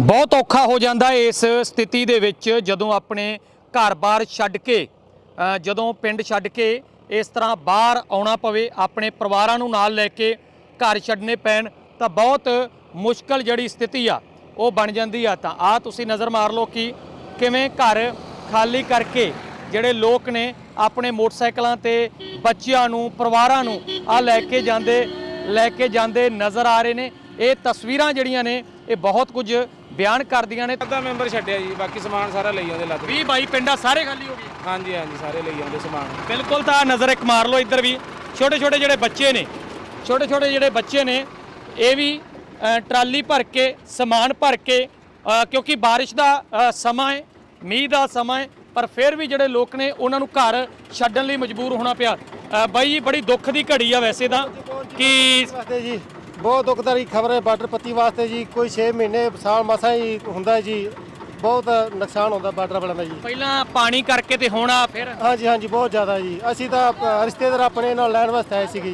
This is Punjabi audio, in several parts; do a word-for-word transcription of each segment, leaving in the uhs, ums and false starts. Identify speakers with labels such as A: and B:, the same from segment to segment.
A: बहुत औखा हो जाता है इस स्थिति दे विच जदों अपने घर बार छड्ड के जदों पिंड छड्ड के इस तरह बाहर आउणा पवे अपने परिवारां नूं नाल लैके घर छड्डने पैण तां बहुत मुश्किल जिहड़ी स्थिति आ वो बन जाती आ। तां आ तुसीं नज़र मार लो कि किवें घर खाली करके जिहड़े लोग ने अपने मोटरसाइकिलों ते बच्चियां नूं परिवारां नूं आ लैके जांदे लैके जांदे नज़र आ रहे ने। ये तस्वीरां जिहड़ियां ने ये बहुत कुछ बयान करदियां ने।
B: ਅੱਧਾ ਮੈਂਬਰ ਛੱਡਿਆ ਜੀ, ਬਾਕੀ ਸਮਾਨ ਸਾਰਾ ਲਈ ਆਉਂਦੇ ਲੱਗ
A: ਵੀਹ ਬਾਈ ਪਿੰਡਾਂ ਸਾਰੇ ਖਾਲੀ ਹੋ ਗਏ।
B: ਹਾਂਜੀ ਹਾਂਜੀ ਸਾਰੇ ਲਈ ਆਉਂਦੇ ਸਮਾਨ
A: बिल्कुल। तो नज़र एक मार लो इधर भी छोटे छोटे जोड़े बच्चे ने छोटे छोटे जोड़े बच्चे ने ये भी ट्राली भर के समान भर के क्योंकि बारिश का समा है मीह का समा है पर फिर भी जोड़े लोग ने उन्होंने घर छड्डण लई मजबूर होना पिया। बाई जी बड़ी दुख की घड़ी है वैसे तो कि
C: जी बहुत दुखदारी खबर है बार्डर पत्ती वास्ते जी। कोई छे महीने साल मसा ही होंदा है जी, बहुत नुकसान होंदा बार्डर वालों का जी।
A: पहला पानी करके ते होना फिर
C: हाँ जी हाँ जी बहुत ज़्यादा जी। असी तो रिश्तेदार अपने नाल लैण वास्ते आए सी जी।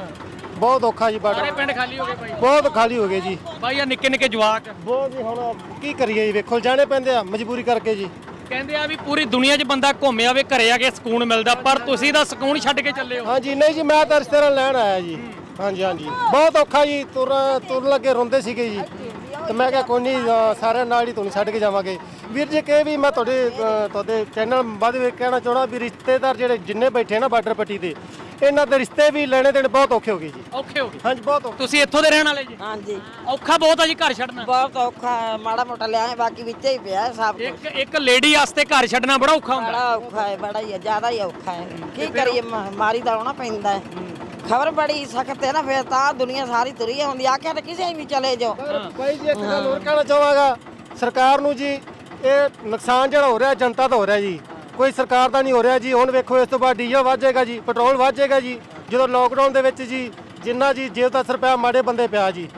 C: बहुत औखा जी
A: सारे
C: बार्डर
A: पिंड खाली हो गए भाई,
C: बहुत खाली हो गए जी।
A: भाई आ निक्के निक्के जवाक
C: बहुत जी हुण की करिए जी, वेखो जाने पैंदे आ मजबूरी करके जी।
A: ਕਹਿੰਦੇ ਆ ਵੀ ਪੂਰੀ ਦੁਨੀਆ 'ਚ ਬੰਦਾ ਘੁੰਮਿਆ ਵੇ ਘਰੇ ਆ ਕੇ ਸਕੂਨ ਮਿਲਦਾ ਪਰ ਤੁਸੀਂ ਤਾਂ ਸਕੂਨ ਛੱਡ ਕੇ ਚੱਲੇ ਹੋ।
C: हाँ जी नहीं जी मैं तो रिश्तेदार लैण आया जी। हाँ जी हाँ जी बहुत औखा जी। तुर तुर लगे रोंदे सीगे जी ਤੇ ਮੈਂ ਕਿਹਾ ਕੋਈ ਨਹੀਂ ਸਾਰਿਆਂ ਨਾਲ ਹੀ ਤੁਹਾਨੂੰ ਛੱਡ ਕੇ ਜਾਵਾਂਗੇ। ਵੀਰ ਜੀ ਕਿ ਵੀ ਮੈਂ ਤੁਹਾਡੇ ਤੁਹਾਡੇ ਚੈਨਲ ਬਾਅਦ ਵਿੱਚ ਕਹਿਣਾ ਚਾਹਣਾ ਵੀ ਰਿਸ਼ਤੇਦਾਰ ਜਿਹੜੇ ਜਿੰਨੇ ਬੈਠੇ ਨਾ ਬਾਰਡਰ ਪੱਟੀ ਤੇ ਇਹਨਾਂ ਦੇ ਰਿਸ਼ਤੇ ਵੀ ਲੈਣੇ ਦੇਣੇ ਬਹੁਤ ਔਖੇ ਹੋ ਗਏ ਜੀ।
A: ਔਖੇ ਹੋ ਗਏ।
C: ਹਾਂਜੀ ਬਹੁਤ ਔਖੇ।
A: ਤੁਸੀਂ ਇੱਥੋਂ ਦੇ ਰਹਿਣ ਵਾਲੇ ਜੀ?
D: ਹਾਂਜੀ
A: ਔਖਾ ਬਹੁਤ ਆ ਜੀ ਘਰ ਛੱਡਣਾ।
D: ਬਹੁਤ ਔਖਾ ਹੈ, ਮਾੜਾ ਮੋਟਾ ਲਿਆ ਬਾਕੀ ਵਿੱਚ ਹੀ ਪਿਆ ਸਭ ਕੁਛ।
A: ਇੱਕ ਇੱਕ ਲੇਡੀ ਵਾਸਤੇ ਘਰ ਛੱਡਣਾ ਬੜਾ ਔਖਾ ਹੁੰਦਾ।
D: ਬੜਾ ਔਖਾ ਹੈ, ਬੜਾ ਹੀ ਹੈ, ਜ਼ਿਆਦਾ ਹੀ ਔਖਾ ਹੈ। ਕੀ ਕਰੀਏ ਮਾਰੀ ਦਾ ਆਉਣਾ ਪੈਂਦਾ ਹੈ। ਖਬਰ ਬੜੀ ਸਖਤ ਹੈ ਨਾ, ਫਿਰ ਤਾਂ ਦੁਨੀਆ ਸਾਰੀ ਤੁਰੀ ਹੁੰਦੀ ਆਖਿਆ ਤਾਂ ਕਿਸੇ ਵੀ ਚਲੇ ਜਾਓ।
C: ਭਾਈ ਜੀ ਇੱਕ ਗੱਲ ਹੋਰ ਕਹਿਣਾ ਚਾਹਾਂਗਾ ਸਰਕਾਰ ਨੂੰ ਜੀ, ਇਹ ਨੁਕਸਾਨ ਜਿਹੜਾ ਹੋ ਰਿਹਾ ਜਨਤਾ ਦਾ ਹੋ ਰਿਹਾ ਜੀ, ਕੋਈ ਸਰਕਾਰ ਦਾ ਨਹੀਂ ਹੋ ਰਿਹਾ ਜੀ। ਹੁਣ ਵੇਖੋ ਇਸ ਤੋਂ ਬਾਅਦ ਡੀਜ਼ਲ ਵੱਧ ਜਾਏਗਾ ਜੀ, ਪੈਟਰੋਲ ਵੱਧ ਜਾਏਗਾ ਜੀ। ਜਦੋਂ ਲੋਕਡਾਊਨ ਦੇ ਵਿੱਚ ਜੀ ਜਿੰਨਾ ਜੀ ਜੇਬ ਦਾ ਅਸਰ ਪਿਆ ਮਾੜੇ ਬੰਦੇ ਪਿਆ ਜੀ।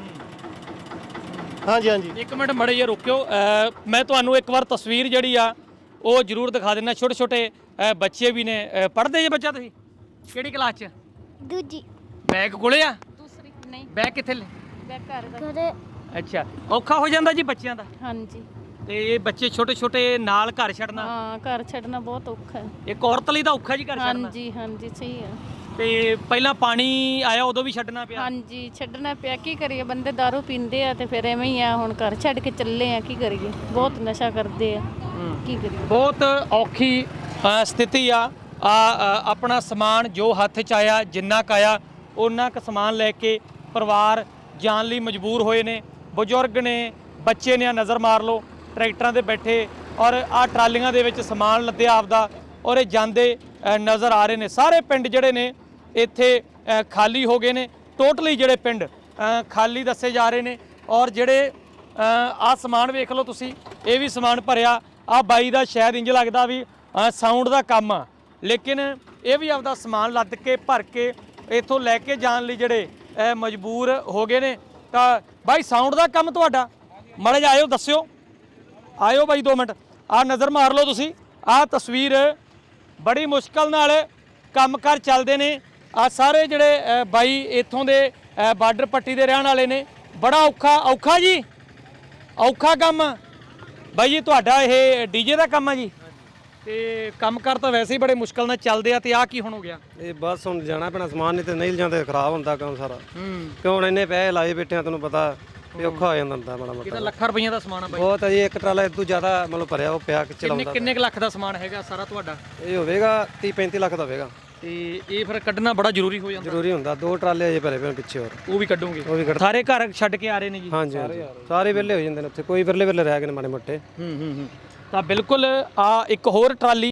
C: ਹਾਂਜੀ ਹਾਂਜੀ
A: ਇੱਕ ਮਿੰਟ ਮੜੇ ਜੇ ਰੁਕਿਓ, ਮੈਂ ਤੁਹਾਨੂੰ ਇੱਕ ਵਾਰ ਤਸਵੀਰ ਜਿਹੜੀ ਆ ਉਹ ਜ਼ਰੂਰ ਦਿਖਾ ਦਿੰਦਾ। ਛੋਟੇ ਛੋਟੇ ਬੱਚੇ ਵੀ ਨੇ। ਪੜ੍ਹਦੇ ਜੇ ਬੱਚਾ ਤੁਸੀਂ ਕਿਹੜੀ ਕਲਾਸ 'ਚ?
E: ਦੂਜੀ
A: ਬੈਗ ਕੋਲੇ ਆ?
E: ਦੂਸਰੀ ਨਹੀਂ
A: ਬੈਗ ਕਿੱਥੇ ਲੈ?
E: ਬੈਗ ਘਰ ਦਾ ਘਰੇ।
A: ਅੱਛਾ ਔਖਾ ਹੋ ਜਾਂਦਾ ਜੀ ਬੱਚਿਆਂ ਦਾ।
E: ਹਾਂਜੀ
A: ਤੇ ਇਹ ਬੱਚੇ ਛੋਟੇ ਛੋਟੇ ਨਾਲ ਘਰ ਛੱਡਣਾ
E: ਹਾਂ ਘਰ ਛੱਡਣਾ ਬਹੁਤ ਔਖਾ ਹੈ।
A: ਇੱਕ ਔਰਤ ਲਈ ਤਾਂ ਔਖਾ ਜੀ ਘਰ ਛੱਡਣਾ।
E: ਹਾਂਜੀ ਹਾਂਜੀ ਸਹੀ ਹੈ।
A: ਤੇ ਪਹਿਲਾਂ ਪਾਣੀ ਆਇਆ ਉਦੋਂ ਵੀ ਛੱਡਣਾ ਪਿਆ?
E: ਹਾਂਜੀ ਛੱਡਣਾ ਪਿਆ, ਕੀ ਕਰੀਏ ਬੰਦੇ ਦਾਰੂ ਪੀਂਦੇ ਆ ਤੇ ਫਿਰ ਐਵੇਂ ਹੀ ਆ। ਹੁਣ ਘਰ ਛੱਡ ਕੇ ਚੱਲੇ ਆ, ਕੀ ਕਰੀਏ ਬਹੁਤ ਨਸ਼ਾ ਕਰਦੇ ਆ, ਕੀ ਕਰੀਏ।
A: ਬਹੁਤ ਔਖੀ ਅ, ਸਥਿਤੀ ਆ। ਆ ਅ, ਆਪਣਾ ਸਮਾਨ ਜੋ ਹੱਥ 'ਚ ਆਇਆ ਜਿੰਨਾ ਕੁ ਆਇਆ ਉਹਨਾਂ ਕੁ ਸਮਾਨ ਲੈ ਕੇ ਪਰਿਵਾਰ ਜਾਣ ਲਈ ਮਜਬੂਰ ਹੋਏ ਨੇ। ਬਜ਼ੁਰਗ ਨੇ, ਬੱਚੇ ਨੇ, ਨਜ਼ਰ ਮਾਰ ਲਓ ਟਰੈਕਟਰਾਂ 'ਤੇ ਬੈਠੇ ਔਰ ਆ ਟਰਾਲੀਆਂ ਦੇ ਵਿੱਚ ਸਮਾਨ ਲੱਦਿਆ ਆਪਦਾ ਔਰ ਇਹ ਜਾਂਦੇ ਅ, ਨਜ਼ਰ ਆ ਰਹੇ ਨੇ। ਸਾਰੇ ਪਿੰਡ ਜਿਹੜੇ ਨੇ ਇੱਥੇ ਅ, ਖਾਲੀ ਹੋ ਗਏ ਨੇ। ਟੋਟਲੀ ਜਿਹੜੇ ਪਿੰਡ ਅ, ਖਾਲੀ ਦੱਸੇ ਜਾ ਰਹੇ ਨੇ। ਔਰ ਜਿਹੜੇ ਆ ਸਮਾਨ ਵੇਖ ਲਓ ਤੁਸੀਂ, ਇਹ ਵੀ ਸਮਾਨ ਭਰਿਆ। ਆ ਬਾਈ ਦਾ ਸ਼ਾਇਦ ਇੰਜ ਲੱਗਦਾ ਵੀ ਸਾਊਂਡ ਦਾ ਕੰਮ ਆ, ਲੇਕਿਨ ਇਹ ਵੀ ਆਪਦਾ ਸਮਾਨ ਲੱਦ ਕੇ ਭਰ ਕੇ ਇੱਥੋਂ ਲੈ ਕੇ ਜਾਣ ਲਈ ਜਿਹੜੇ ਮਜਬੂਰ ਹੋ ਗਏ ਨੇ। ਤਾਂ ਬਾਈ ਸਾਊਂਡ ਦਾ ਕੰਮ ਤੁਹਾਡਾ? ਮਾੜੇ ਜਿਹਾ ਆਇਓ ਦੱਸਿਓ, ਆਇਓ ਬਾਈ ਦੋ ਮਿੰਟ। ਆ ਨਜ਼ਰ ਮਾਰ ਲਓ ਤੁਸੀਂ, ਆਹ ਤਸਵੀਰ ਬੜੀ ਮੁਸ਼ਕਲ ਨਾਲ ਕੰਮ ਕਾਰ ਚੱਲਦੇ ਨੇ। ਆ ਸਾਰੇ ਜਿਹੜੇ ਬਾਈ ਇੱਥੋਂ ਦੇ ਬਾਰਡਰ ਪੱਟੀ ਦੇ ਰਹਿਣ ਵਾਲੇ ਨੇ। ਬੜਾ ਔਖਾ ਔਖਾ ਜੀ, ਔਖਾ ਕੰਮ ਬਾਈ ਜੀ ਤੁਹਾਡਾ। ਇਹ ਡੀਜੇ ਦਾ ਕੰਮ ਆ ਜੀ? ਤੇ ਕੰਮ ਕਰ ਤਾਂ ਵੈਸੇ ਹੀ ਬੜੇ ਮੁਸ਼ਕਲ ਨਾਲ ਚੱਲਦੇ ਆ। ਤੇ ਆ ਕੀ ਹੁਣ ਹੋ ਗਿਆ?
C: ਇਹ ਬਸ ਹੁਣ ਜਾਣਾ ਪੈਣਾ ਸਮਾਨ, ਨਹੀਂ ਤੇ ਨਹੀਂ ਲਿਜਾਂਦੇ ਖਰਾਬ ਹੁੰਦਾ ਕੰਮ ਸਾਰਾ।
A: ਹੂੰ
C: ਕਿਉਂ ਹੁਣ ਇੰਨੇ ਪੈਸੇ ਲਾਏ ਬੈਠੇ ਆ, ਤੈਨੂੰ ਪਤਾ ਵੀ ਔਖਾ ਹੋ ਜਾਂਦਾ ਹੁੰਦਾ ਮਾੜਾ
A: ਇਹ
C: ਮੋਟਾ।
A: ਤਾਂ ਲੱਖਾਂ ਰੁਪਈਆਂ ਦਾ ਸਮਾਨ ਆ ਬਾਈ।
C: ਬਹੁਤ ਹੈ ਜੀ, ਇੱਕ ਟਰਾਲਾ ਇਦੋਂ ਜ਼ਿਆਦਾ ਮਤਲਬ ਭਰਿਆ ਉਹ ਪਿਆ ਕਿ
A: ਕਿੰਨੇ
C: ਚਲਾਉਂਦਾ।
A: ਕਿੰਨੇ ਕੁ ਲੱਖ ਦਾ ਸਮਾਨ ਹੈਗਾ ਸਾਰਾ ਤੁਹਾਡਾ?
C: ਇਹ ਹੋਵੇਗਾ ਤੀਹ ਪੈਂਤੀ ਲੱਖ ਦਾ ਹੋਵੇਗਾ।
A: ਤੇ ਇਹ ਫਿਰ ਕੱਢਣਾ ਬੜਾ ਜ਼ਰੂਰੀ ਹੋ ਜਾਂਦਾ।
C: ਜ਼ਰੂਰੀ ਹੁੰਦਾ, ਦੋ ਟਰਾਲੇ ਅਜੇ ਭਰੇ ਪਏ ਪਿੱਛੇ ਹੋਰ।
A: ਉਹ ਵੀ ਕੱਢੋਗੇ?
C: ਉਹ ਵੀ ਕੱਢ
A: ਸਾਰੇ ਘਰ ਛੱਡ ਕੇ ਆ ਰਹੇ ਨੇ ਜੀ?
C: ਹਾਂਜੀ ਹਾਂਜੀ ਸਾਰੇ ਵਿਹਲੇ ਹੋ ਜਾਂਦੇ ਨੇ ਉੱਥੇ, ਕੋਈ ਵਿਰਲੇ ਵਿਰਲੇ ਰਹਿ ਗਏ ਨੇ ਮਾੜੇ ਮੋਟੇ।
A: ਹੂੰ ਹੂੰ ਹੂੰ। ਤਾਂ ਬਿਲਕੁਲ ਆ ਇੱਕ ਹੋਰ ਟਰਾਲੀ